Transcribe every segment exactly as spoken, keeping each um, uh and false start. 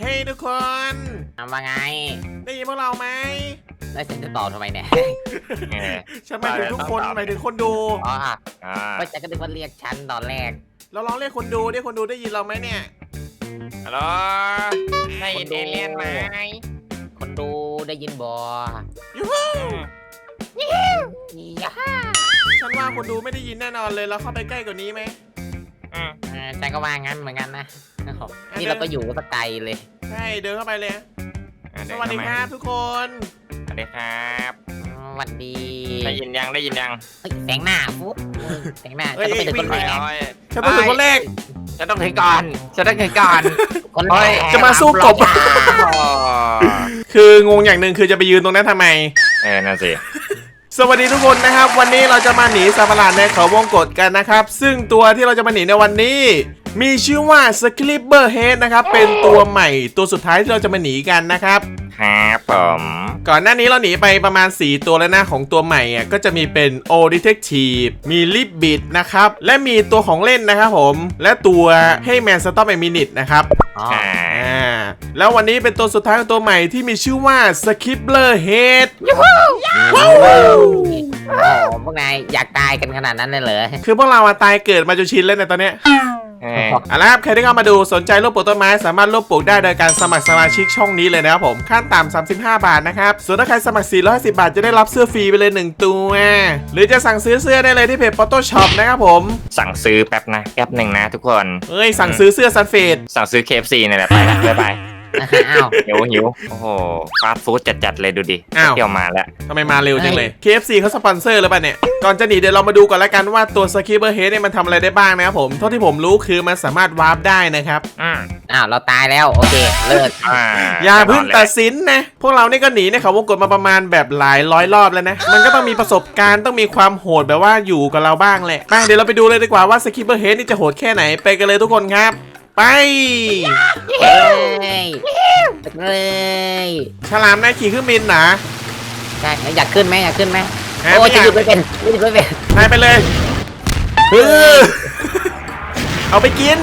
ฮ้ยทุกคนทำว่าไงได้ยินพวกเราไหมแล้วฉันจะตอบทำไมเนี่ยฉันหมายถึงทุกคนหมายถึงคนดูอ๋อก็จะก็นึกว่าเรียกฉันตอนแรกเราลองเรียกคนดูดิคนดูได้ยินเราไหมเนี่ยฮัลโหลได้ยินเอเลี่ยนไหมคนดูได้ยินบอยูฮูยูฮูฉันว่าคนดูไม่ได้ยินแน่นอนเลยเราเข้าไปใกล้กว่านี้ไหมอืมฉันก็ว่างั้นเหมือนกันนะนี่เราก็อยู่ก็ไกลเลยใช่เดินเข้าไปเลยสวัสดีครับทุกคนสวัสดีครับสวัสดีได้ยินยังได้ยินยังแสงหน้าฟุ๊บแสงหน้าจะต้องเป็นคนแรกฉันต้องเป็นคนแรกฉันต้องถึงก่อนฉันต้องถึงก่อนคนแรกจะมาสู้กบคืองงอย่างหนึ่งคือจะไปยืนตรงนั้นทำไมเออน่าสิสวัสดีทุกคนนะครับวันนี้เราจะมาหนีสัตว์ประหลาดในเขาวงกฏกันนะครับซึ่งตัวที่เราจะมาหนีในวันนี้มีชื่อว่า Scribber Head นะครับเป็นตัวใหม่ตัวสุดท้ายที่เราจะมาหนีกันนะครับครับผมก่อนหน้านี้เราหนีไปประมาณสี่ตัวแล้วนะของตัวใหม่อ่ะก็จะมีเป็น O Detective มี Ribbit นะครับและมีตัวของเล่นนะครับผมและตัว Hey Man Stop a Minute นะครับอ่าแล้ววันนี้เป็นตัวสุดท้ายของตัวใหม่ที่มีชื่อว่า Scribber Head ว้าวพวกนายอยากตายกันขนาดนั้นเลยเหรอคือพวกเราตายเกิดมาจนชินแล้วในตอนเนี้ยเอาละครับใครที่เข้ามาดูสนใจรูปปลูกต้นไม้สามารถรูปปลูกได้โดยการสมัครสมาชิกช่องนี้เลยนะครับผมขั้นต่ำสามสิบห้าบาทนะครับส่วนถ้าใครสมัครสี่ร้อยห้าสิบบาทจะได้รับเสื้อฟรีไปเลยหนึ่งตัวหรือจะสั่งซื้อเสื้อได้เลยที่เพจ Photoshop นะครับผมสั่งซื้อแป๊บนะแป๊บหนึ่งนะทุกคนเอ้ยสั่งซื้อเสื้อซันเฟดสั่งซื้อ เค เอฟ ซี นี่แหละไปละบ๊ายบายหิวหิวโอ้โหฟาสต์ฟู้ดจัดๆเลยดูดิเที่ยวมาแล้วทำไมมาเร็วจังเลย เค เอฟ ซี เขาสปอนเซอร์หรือเปล่าเนี่ยก่อนจะหนีเดี๋ยวเรามาดูก่อนละกันว่าตัว Scribber Head เนี่ยมันทำอะไรได้บ้างนะครับผมเท่าที่ผมรู้คือมันสามารถวาร์ปได้นะครับอืมอ้าวเราตายแล้วโอเคเลิกอย่าเพิ่งตัดสินนะพวกเรานี่ก็หนีในเขาวงกฏมาประมาณแบบหลายร้อยรอบแล้วนะมันก็ต้องมีประสบการณ์ต้องมีความโหดแบบว่าอยู่กับเราบ้างแหละมาเดี๋ยวเราไปดูเลยดีกว่าว่า Scribber Head นี่จะโหดแค่ไหนไปกันเลยทุกคนครับไปเลยฉลามนายขี่เครื่องบินนะใช่อยากขึ้นไหมอยากขึ้นไหมโอ้จะหยุดไม่เป็นหยุดไม่เป็นนายไปเลยเอาไปกิน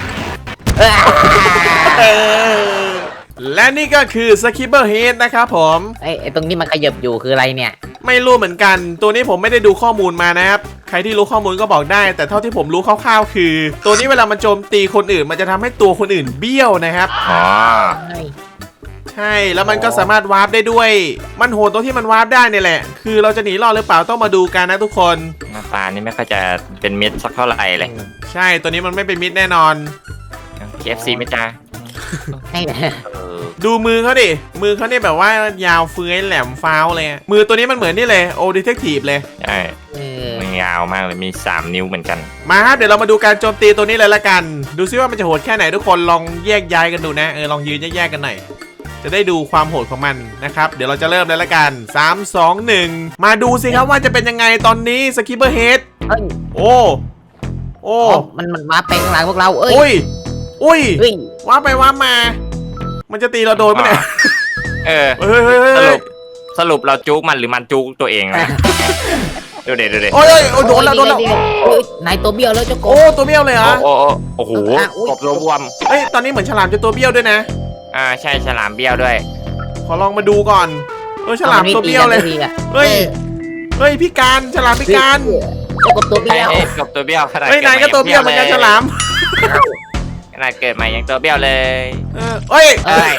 และนี่ก็คือ Scribber Head นะครับผมไอ้ตรงนี้มันขยับอยู่คืออะไรเนี่ยไม่รู้เหมือนกันตัวนี้ผมไม่ได้ดูข้อมูลมานะครับใครที่รู้ข้อมูลก็บอกได้แต่เท่าที่ผมรู้คร่าวๆคือตัวนี้เวลามันโจมตีคนอื่นมันจะทำให้ตัวคนอื่นเบี้ยวนะครับอ๋อใช่แล้วมันก็สามารถวาร์ปได้ด้วยมันโหดตรงที่มันวาร์ปได้นี่แหละคือเราจะหนีรอดหรือเปล่าต้องมาดูกันนะทุกคนหน้าตานี่ไม่ค่อยจะเป็นมิตรสักเท่าไหร่เลยใช่ตัวนี้มันไม่เป็นมิตรแน่นอนเค เอฟ ซี ไม่จ้าให้นะดูมือเขาดิมือเขาเนี่ยแบบว่ายาวเฟื้อยแหลมฟ้าวเลยมือตัวนี้มันเหมือนนี่เลย O Detective เลยใช่มันยาวมากเลยมีสามนิ้วเหมือนกันมาครับเดี๋ยวเรามาดูการโจมตีตัวนี้เลยละกันดูซิว่ามันจะโหดแค่ไหนทุกคนลองแยกย้ายกันดูนะเออลองยืนแยกๆกันหน่อยจะได้ดูความโหดของมันนะครับเดี๋ยวเราจะเริ่มเลยละกันสาม สอง หนึ่งมาดูสิครับว่าจะเป็นยังไงตอนนี้ Scribber Head โอ้โอ้มันมันมาเป็นหลังพวกเราเอ้ยอุ้ยว่าไปว่ามามันจะตีเราโดนไหมเนี่ยเออสรุปสรุปเราจุกมันหรือมันจุกตัวเองนะดูเด็ดดูเด็ดโอ้ยโดนแล้วโดนแล้วนายตัวเบี้ยวแล้วเจ้าโกโอ้ตัวเบี้ยวเลยเหรอโอ้โอ้โหกบตัวบวมเอ้ยตอนนี้เหมือนฉลามจะตัวเบี้ยวด้วยนะอ่าใช่ฉลามเบี้ยวด้วยขอลองมาดูก่อนเออฉลามตัวเบี้ยวเลยเฮ้ยเฮ้ยพี่การฉลามพี่การกบตัวเบี้ยวกบตัวเบี้ยวขนาดเฮ้ยนายก็ตัวเบี้ยวเหมือนกันฉลามขนาดเกิดมายังตัวเบี้ยวเลยเออเฮ้ยเฮ้ย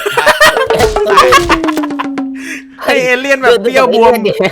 เอเลี่ยนแบบเบี้ยวบวม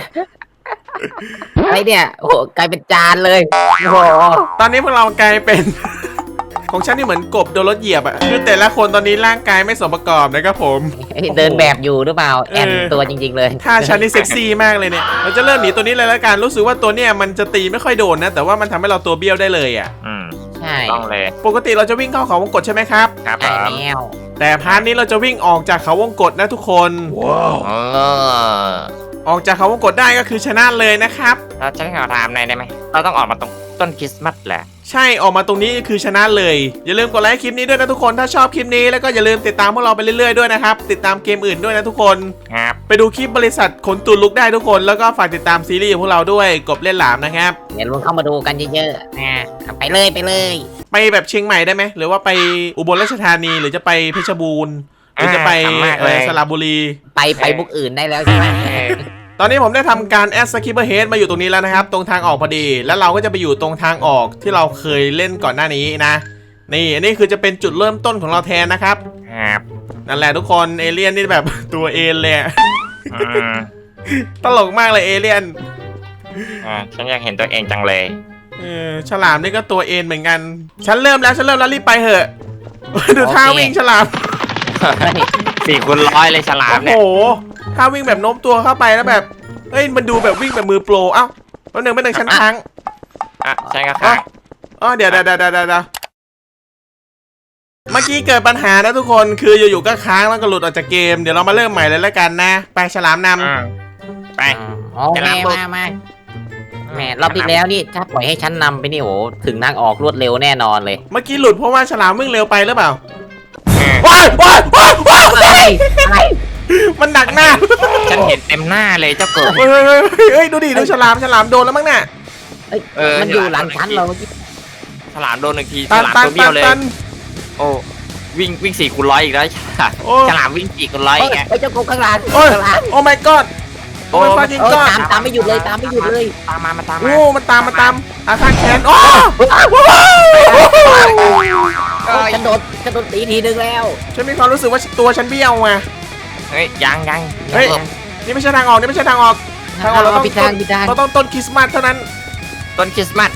อะไรเนี่ยโอ้กลายเป็นจานเลยโอ้โหตอนนี้พวกเรากลายเป็นของฉันนี่เหมือนกบโดนรถเหยียบอ่ะคือแต่ละคนตอนนี้ร่างกายไม่สมประกอบนะครับผมเดินแบบอยู่หรือเปล่าแอนตัวจริงๆเลยถ้าฉันนี่เซ็กซี่มากเลยเนี่ยเราจะเริ่มหนีตัวนี้เลยแล้วกันรู้สึกว่าตัวเนี้ยมันจะตีไม่ค่อยโดนนะแต่ว่ามันทำให้เราตัวเบี้ยวได้เลยอ่ะอืมใช่ต้องเลยปกติเราจะวิ่งเข้าเขาวงกฏใช่ไหมครับครับแล้วแต่พาร์ทนี้เราจะวิ่งออกจากเขาวงกฏนะทุกคนว้าวออกจากเขาวงกฏได้ก็คือชนะเลยนะครับเราจะขอถามหน่อยได้ไหมเราต้องออกมาตรงต้นคริสต์มาสแหละใช่ออกมาตรงนี้คือชนะเลยอย่าลืมกดไลค์คลิปนี้ด้วยนะทุกคนถ้าชอบคลิปนี้แล้วก็อย่าลืมติดตามพวกเราไปเรื่อยๆด้วยนะครับติดตามเกมอื่นด้วยนะทุกคนครับไปดูคลิปบริษัทขนตุนลุกได้ทุกคนแล้วก็ฝากติดตามซีรีส์ของพวกเราด้วยกบเล่นหลามนะครับอย่าลืมเข้ามาดูกันเยอะๆนะไปเลยไปเลยไปแบบเชียงใหม่ได้ไหมหรือว่าไปอุบลราชธานีหรือจะไปเพชรบูรณ์หรือจะไปอ่าขำมากเอเลยอสระบุรีไปไปบุกอื่นได้แล้วใช่ไหมเออตอนนี้ผมได้ทำการแอดสกิปเปอร์เฮดมาอยู่ตรงนี้แล้วนะครับ ตรงทางออกพอดี แล้วเราก็จะไปอยู่ตรงทางออกที่เราเคยเล่นก่อนหน้านี้นะ นี่อันนี้คือจะเป็นจุดเริ่มต้นของเราแทนนะครับครับนั่นแหละทุกคนเอเลี่ยนนี่แบบ ตัวเอนเลยอะอืมตลกมากเลยเอเลี่ยนอ่าฉันอยากเห็นตัวเองจังเลยเออฉลามนี่ก็ตัวเอนเหมือนกัน ฉันเริ่มแล้วฉันเริ่มแล้วรีบไปเถอะ ดูท่าวิ่งฉลามสี่คูณร้อยเลยฉลามโอ้โหเนี่ยท่าวิ่งแบบโน้มตัวเข้าไปแล้วแบบเฮ้ยมันดูแบบวิ่งแบบมือโปรเอ้าแล้วหนึ่งไม่หนึ่งชั้นค้างอ่ะฉันก็ค้างอ๋อเดี๋ยวเดี๋ยวเดี๋ยวเดี๋ยวเดี๋ยวเมื่อกี้เกิดปัญหานะทุกคนคืออยู่ๆก็ค้างแล้วก็หลุดออกจากเกมเดี๋ยวเรามาเริ่มใหม่เลยแล้วกันนะไปฉลามนอืมไปโอเคมามาแหมรอบที่แล้วนี่ถ้าปล่อยให้ฉันนำไปนี่โหถึงทางออกรวดเร็วแน่นอนเลยำเมื่อกี้หลุดเพราะว่าฉลามวิ่งเร็วไปหรือเปล่าอืมว้ายว้ายว้ายว้ายอะไรอะไรมันหนักหน้าฉันเห็นเต็มหน้าเลยเจ้าเกิดเฮ้ยเฮ้ยเฮ้ยเฮ้ยดูดิดูฉลามฉลามโดนแล้วมั้งน่ะเอ้ยเออมันอยู่หลังฉันเราฉลามโดนหนึ่งทีฉตันลามตันตัวเบี้ตัยวน เลยตันโอ้วิ่งวิ่งสี่คูณร้อยอีกแล้วโอ้ฉลามวิ่งสี่คูณร้อยเอ้อียกแล้วเอ้ยเจ้ากบข้างหลังโอ้ยข้างหลังโอ้ my god โอ้ my โอ้ fucking เออ god ตามตามไม่หยุดเลยตามไม่หยุดเลยตามมามาตามมาโอ้มันตามมันตามอาฆาตแค้นโอ้เอ้ยฉันโดนฉันโดนตีทีนึงแล้วฉันมีความรู้สึกว่าตัวฉันเบี้ยวไงเฮ้ยยังยังเฮ้ย นี่ไม่ใช่ทางออกนี่ไม่ใช่ทางออกทางออกเราต้องพิดทางพิดทางเราต้องต้นคริสต์มาสเท่านั้นต้นคริสต์มาส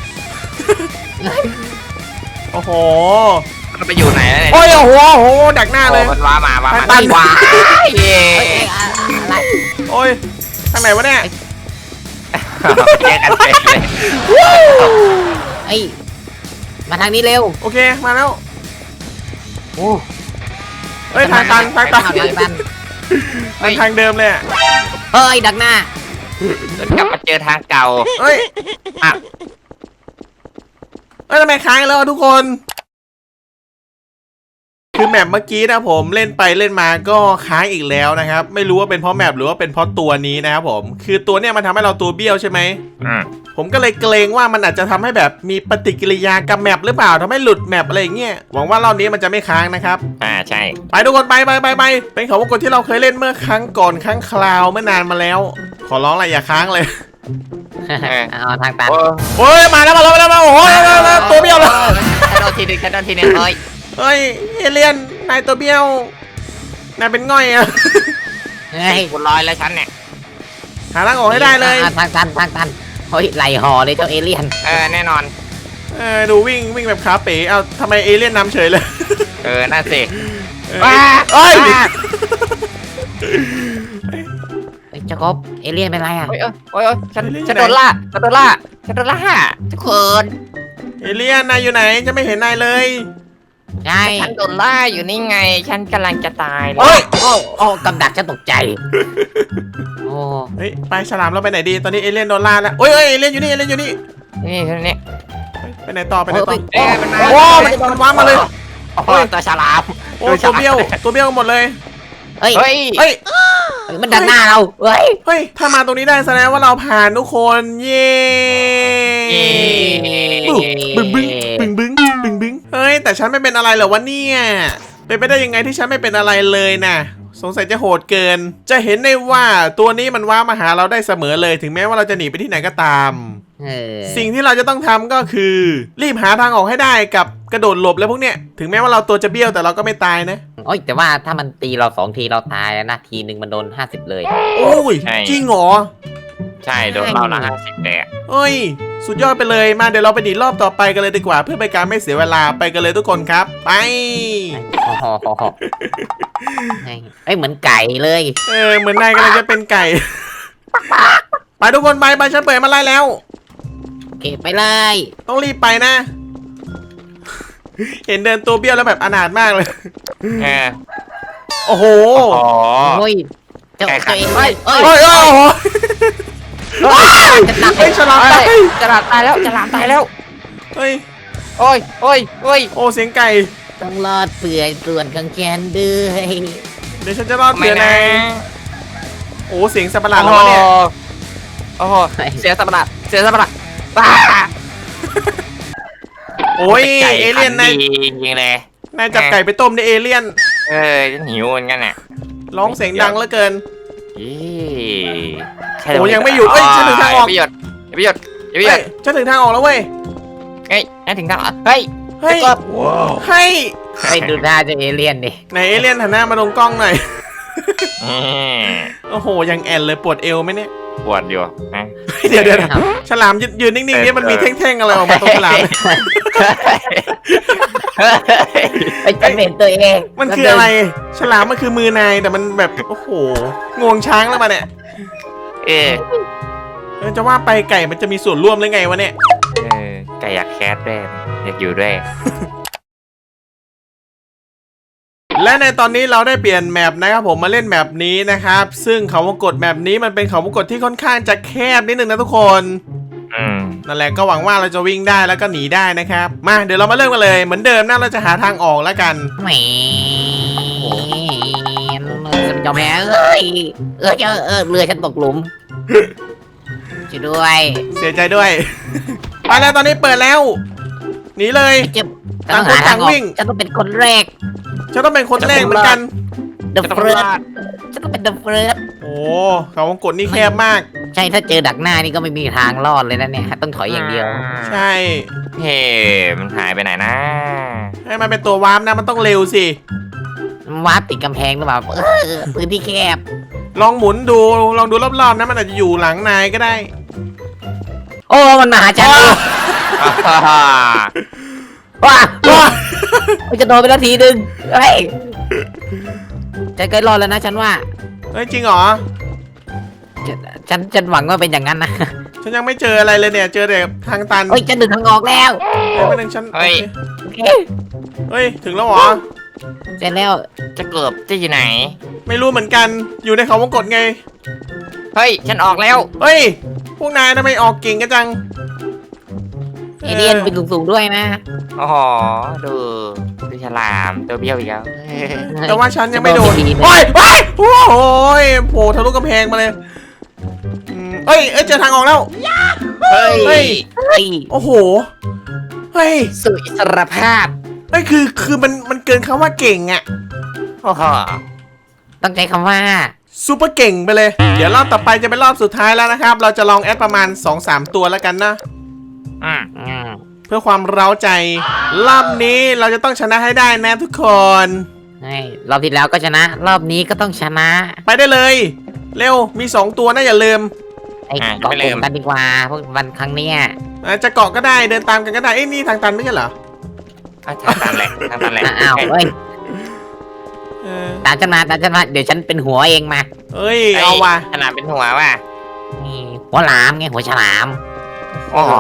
โอ้โหมันไปอยู่ไหนแล้วเนี่ยโอ้ยโอ้โหโอ้โหดักหน้าเลยโอ้มันว้ามาว้ามาตันว้าเย้เอ้ยเอ้ยอะอะไรโอ้ยทางไหนวะเนี่ยแยกกันเป็นเลยเอ้ยมาทางนี้เร็วโอเคมาแล้วโอ้เฮ้ยทางตันทางตันทางตันมันทางเดิมเลยอะเฮ้ยดักหน้าจนกลับมาเจอทางเก่าเฮ้ยอ่ะเอ้ยทำไมค้างแล้วอะทุกคน คือแมปเมื่อกี้นะผมเล่นไปเล่นมาก็ค้างอีกแล้วนะครับ ไม่รู้ว่าเป็นเพราะแมปหรือว่าเป็นเพราะตัวนี้นะครับผม คือตัวเนี้ยมันทำให้เราตัวเบี้ยวใช่ไหมอืมผมก็เลยเกรงว่ามันอาจจะทำให้แบบมีปฏิกิริยากับแมปหรือเปล่าทำให้หลุดแมปอะไรอย่างเงี้ยหวังว่ารอบนี้มันจะไม่ค้างนะครับอ่าใช่ไปทุกคนไปไปไปไปเป็นเขาวงกตที่เราเคยเล่นเมื่อครั้งก่อนครั้งคราวเมื่อนานมาแล้ว ขอร้องอะไรอย่าค้างเลยเอาทางตันโอ้โอ้ยมาแล้วมาแล้วมาแล้วมาโอ้ยตัวเบี้ยวเลยฉันโดนทีหนึงฉันโดนทีหนึงเฮ้ยเฮ้ยเอเลียนนายตัวเบี้ยวนายเป็นง่อยอะเฮ้ยสี่คูณร้อยแล้วฉันเนี่ยหาทางออกให้ได้เลยอ่ะทางตันทางตันเฮ้ยไหลห่อเลยเจ้าเอเลี่ยนเออแน่นอนเออดูวิ่งวิ่งแบบขาเป๋เอาทำไมเอเลี่ยนนำเฉยเลยเออน่าสิเออเอ้ยเฮ้ยเจ้ากบเอเลี่ยนเป็นไรอ่ะโอ้ยโอ้ยโอ้ยฉันฉันโดนล่าฉันโดนล่าฉันโดนล่าทุกคนเอเลี่ยนนายอยู่ไหนจะไม่เห็นนายเลยใช่ฉันโดนล่าอยู่นี่ไง ฉันกำลังจะตายแล้วเฮ้ยโอ้โอ้กำดักฉันตกใจโอ้เฮ้ยไปฉลามเราไปไหนดีตอนนี้เอเลี่ยนโดนล่าแล้วโอ้ยเอ้ยเอเลี่ยนอยู่นี่เอเลี่ยนอยู่นี่นี่นี่เฮ้ยไปไหนต่อไปไหนต่อเอ้ยมันมาโอ้มันมันว้ามาเลยโอ้โหตัวฉลามโอ้ตัวเบี้ยวตัวเบี้ยวหมดเลยเฮ้ยเฮ้ยเฮ้ยมันดักหน้าเราเฮ้ยเฮ้ยถ้ามาตรงนี้ได้แสดงว่าเราผ่านทุกคนเย้บึ้งบึ้งบึ้งบึ้งบึ้งบึ้งเฮ้ยแต่ฉันไม่เป็นอะไรเหรอวะเนี่ยเป็นไปได้ยังไงที่ฉันไม่เป็นอะไรเลยนะสงสัยจะโหดเกิน จะเห็นได้ว่าตัวนี้มันว้ามาหาเราได้เสมอเลยถึงแม้ว่าเราจะหนีไปที่ไหนก็ตามเออสิ่งที่เราจะต้องทำก็คือ รีบหาทางออกให้ได้กับกระโดดหลบแล้วพวกเนี้ยถึงแม้ว่าเราตัวจะเบี้ยวแต่เราก็ไม่ตายนะโอ้ยแต่ว่าถ้ามันตีเราสองทีเราตายนะทีหนึ่งมันโดนห้าสิบเลยโอ้ยจริงเหรอใช่โดนเราละห้าสิบแดกเอ้ย สุดยอดไปเลยมาเดี๋ยวเราไปดีรอบต่อไปกันเลยดีกว่า เพื่อเป็นการไม่เสียเวลาไปกันเลยทุกคนครับ ไปโอ้โหเอ้ยเหมือนไก่เลยเออเหมือนนายกำลังจะเป็นไก่ ไปทุกคนไปไปฉันเปิดมาไล่แล้วโอเคไปเลยต้องรีบไปนะ เห็นเดินตัวเบี้ยวแล้วแบบอนาถมากเลยเออโอ้โหอ๋อโอ้ยเจ้าไก่ขัตัดวเองเอ้ยเอ้ยโอ้ยโอ้โหจะหนักเฮ้ยฉลามตายฉลามตายแล้วฉลามตายแล้วเฮ้ยโอ้ยโอ้ยโอ้ยโอ้เสียงไก่ต้องรอดเปื่อยส่วนของแกนด้วยเดี๋ยวฉันจะรอดไม่เผื่อนะนายโอ้เสียงสัตว์ประหลาดโอ้แล้วโหเนี่ยโอ้โหเสียสมบัติเสียสมบัติบ้าโอ้ยเอเลี่ยนนายจริงๆเลยนายจับไก่ไปต้มในเอเลี่ยนเออฉันหิวเหมือนกันน่ะร้องเสียงดังเหลือเกินอีใช่โอ้ยังไม่หยุดเอ้ยฉันถึงทางออกไม่หยุดไม่หยุดไม่หยุเฮ้ดยฉันถึงทางออกแล้วเว้ยเฮ้ยนั่นถึงทางออกเฮ้ยเฮ้ยเฮ้ยไอ้ดูหน้าเจะเอเลี่ยนดิไหนเอเลี่ยนหันหน้ามาตรงกล้องหน่อยอืมโอ้โหยังแอนเลยปวดเอวไหมเนี่ยปวดอยู่นะเดี๋ยวเดี๋ยวฉลามยืนยืนนิ่งๆนี่มันมีแท่งๆอะไรออกมาตรงฉลามไอ้ฉันเห็นตัวเองมันคืออะไร ฉลามมันคือมือนายแต่มันแบบโอ้โหงวงช้างแล้วมาเนี่ยเออเออจะว่าไปไก่มันจะมีส่วนร่วมหรือไงวะเนี่ยเออไก่อยากแคสด้วยอยากอยู่ด้วยและในตอนนี้เราได้เปลี่ยนแมปนะครับผมมาเล่นแมปนี้นะครับซึ่งเขาวงกตแมปนี้มันเป็นเขาวงกตที่ค่อนข้างจะแคบนิดนึงนะทุกคนอืมนั่นแหละก็หวังว่าเราจะวิ่งได้แล้วก็หนีได้นะครับมาเดี๋ยวเรามาเริ่มกันเลยเหมือนเดิมนะเราจะหาทางออกแล้วกันแหมฉันยอมแพ้เอ้ยเออเจอเออเรือฉันตกหลุมช่วยด้วยเสียใจด้วย ไปแล้วตอนนี้เปิดแล้วหนีเลยเจ็บต้องหาทางออกฉันต้องเป็นคนแรกฉันต้องเป็นคนแรกเหมือนกัน The First ฉันต้องเป็น The First โอ้เขาวงกตนี่แคบมากใช่ถ้าเจอดักหน้านี่ก็ไม่มีทางรอดเลยนะเนี่ยต้องถอยอย่างเดียวใช่เฮ้มันหายไปไหนนะให้มันเป็นตัววาร์ปนะมันต้องเร็วสิวาร์ปติดกำแพงหรือเปล่าเออพื้นที่แคบลองหมุนดูลองดูรอบๆนะมันอาจจะอยู่หลังนายก็ได้โอ้มันมาหาฉันอ่าว้าว้ามันจะโดนไปแล้วทีนึงเฮ้ยฉันใกล้รอดแล้วนะฉันว่าเฮ้ยจริงเหรอฉันฉันฉันหวังว่าเป็นอย่างนั้นนะฉันยังไม่เจออะไรเลยเนี่ย เจอแต่ทางตันเฮ้ยฉันดึงทางออกแล้วเฮ้ยไม่นึงฉันเฮ้ยโอเคเฮ้ยถึงแล้วเหรอเสร็จแล้วจะเกือบจะอยู่ไหนไม่รู้เหมือนกันอยู่ในเขาวงกตไงเฮ้ยฉันออกแล้วเฮ้ยพวกนายทำไมออกเก่งกันจังเอเลี่ยนเป็นสูงๆด้วยนะโอ้โหดูดูฉลามตัวเบี้ยวอีกแล้วแต่ว่าฉันยังไม่โดนจะโดนไปทีนึงโอ้ยโอ้ยโอ้ยโผล่ทะลุกำแพงมาเลยอืมเอ้ยเอ้ยเจอทางออกแล้วเฮ้ยเฮ้ยเฮ้ยโอ้โหเฮ้ยสู่อิสรภาพเฮ้ยคือคือมันมันเกินคำว่าเก่งอะโอ้โหต้องใช้คำว่าซูเปอร์เก่งไปเลย เดี๋ยวรอบต่อไปจะเป็นรอบสุดท้ายแล้วนะครับ เราจะลองแอดประมาณ สองสาม ตัวแล้วกันนะอืมอืมเพื่อความเร้าใจ รอบนี้เราจะต้องชนะให้ได้นะทุกคนเฮ้ยรอบที่แล้วก็ชนะ รอบนี้ก็ต้องชนะไปได้เลย เร็วมี สอง ตัวนะอย่าลืมไอ้เกาะกลุ่มกันดีกว่าพวกวันครั้งเนี้ยอ่ะจะเกาะก็ได้เดินตามกันก็ได้เอ้ยนี่ทางตันไม่ใช่เหรออ่ะทางตันแหละทางตันแหละอ้าวเฮ้ยเออตามฉันมาตามฉันมาเดี๋ยวฉันเป็นหัวเองมาเอ้ยเอาว่ะฉลามเป็นหัวว่ะนี่หัวหลามไงหัวฉลามโอ้โห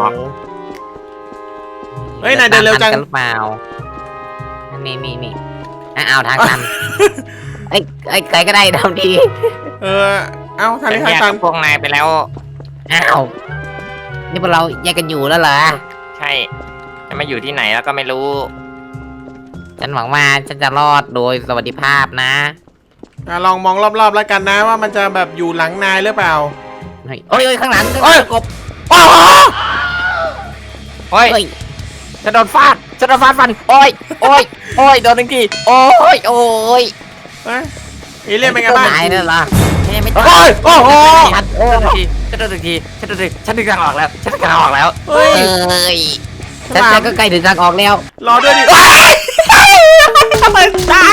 เฮ้ยนายเดินเร็วจังตามทันกันหรือเปล่านี่นี่นี่อ่ะเอาทางตันไอ้ไอ้ใครก็ได้ทำดีเออเอ้าทางนี้ทางแยกตักัน บพวกนายไปแล้วอ้าวนี่พวกเราแยกกันอยู่แล้วเหรอใช่จะมาอยู่ที่ไหนแล้วก็ไม่รู้ฉันหวังว่าฉันจะรอดโดยสวัสดิภาพนะอ่ะลองมองรอบๆแล้วกันนะว่ามันจะแบบอยู่หลังนายหรือเปล่าเฮ้ยโอ้ยโอ้ยข้างหลังเอ้ยกบโอ้โหเฮ้ยเฮ้ยจะโดนฟาดจะโดนฟาดฟัน โอ้ย โอ้ย โอ้ย โดนหนึ่งที โอ้ย โอ้ยเฮ้ยเอเลี่ยนเป็นไงบ้างตายแล้วเหรอฉันยังไม่โอ้ยโอ้โหทันโอ้ยฉันโดนหนึ่งทีฉันโดนหนึ่งทีฉันดึงทางออกแล้ว ฉันดึงทางออกแล้วเฮ้ยเอ้ยฉันฉันก็ใกล้ถึงทางออกแล้วรอด้วยดิเฮ้ยทำไมตาย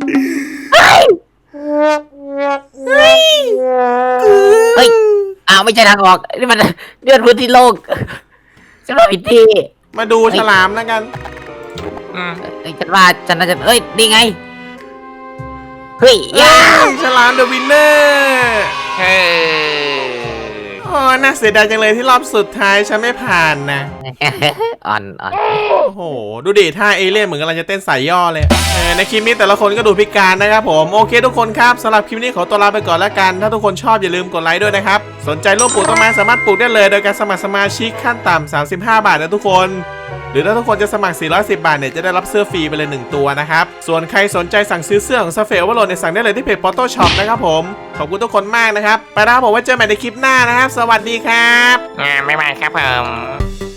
เฮ้ย อ้าวไม่ใช่ทางออก นี่มันเลื่อนพื้นที่โลกฉันว่าผิดที่มาดูฉลามแล้วกันอืมเอ้ยฉันว่าฉันน่าจะเอ้ยนี่ไง เฮ้ยเอ้ยายฉลามเดอะวินเนอร์เฮ้ยโอ้น่าเสียดายจังเลยที่รอบสุดท้ายฉันไม่ผ่านนะอ่อนอ่อนโอ้โห ดูดิท่าเอเลี่ยนเหมือนกำลังจะเต้นสายย่อเลยเออในคลิปนี้แต่ละคนก็ดูพิการนะครับผม โอเคทุกคนครับสำหรับคลิปนี้ขอตัวลาไปก่อนแล้วกัน ถ้าทุกคนชอบอย่าลืมกดไลค์ด้วยนะครับ สนใจร่วมปลูกต้นไม้สามารถปลูกได้เลย โดยการสมัครสมาชิกขั้นต่ำสามสิบห้าบาทนะทุกคน หรือถ้าทุกคนจะสมัครสี่ร้อยสิบบาทเนี่ยจะได้รับเสื้อฟรีไปเลยหนึ่งตัวนะครับ ส่วนใครสนใจสั่งซื้อเสื้อของ Surface Overload เนี่ยสั่งได้เลยที่เพจ Photo Shop นะครับผม ขอบคุณทุกคนมากนะครับ ไปแล้วครับผมไว้เจอกันใหม่ในคลิปหน้านะครับ สวัสดีครับอ่าไม่ไม่ครับผม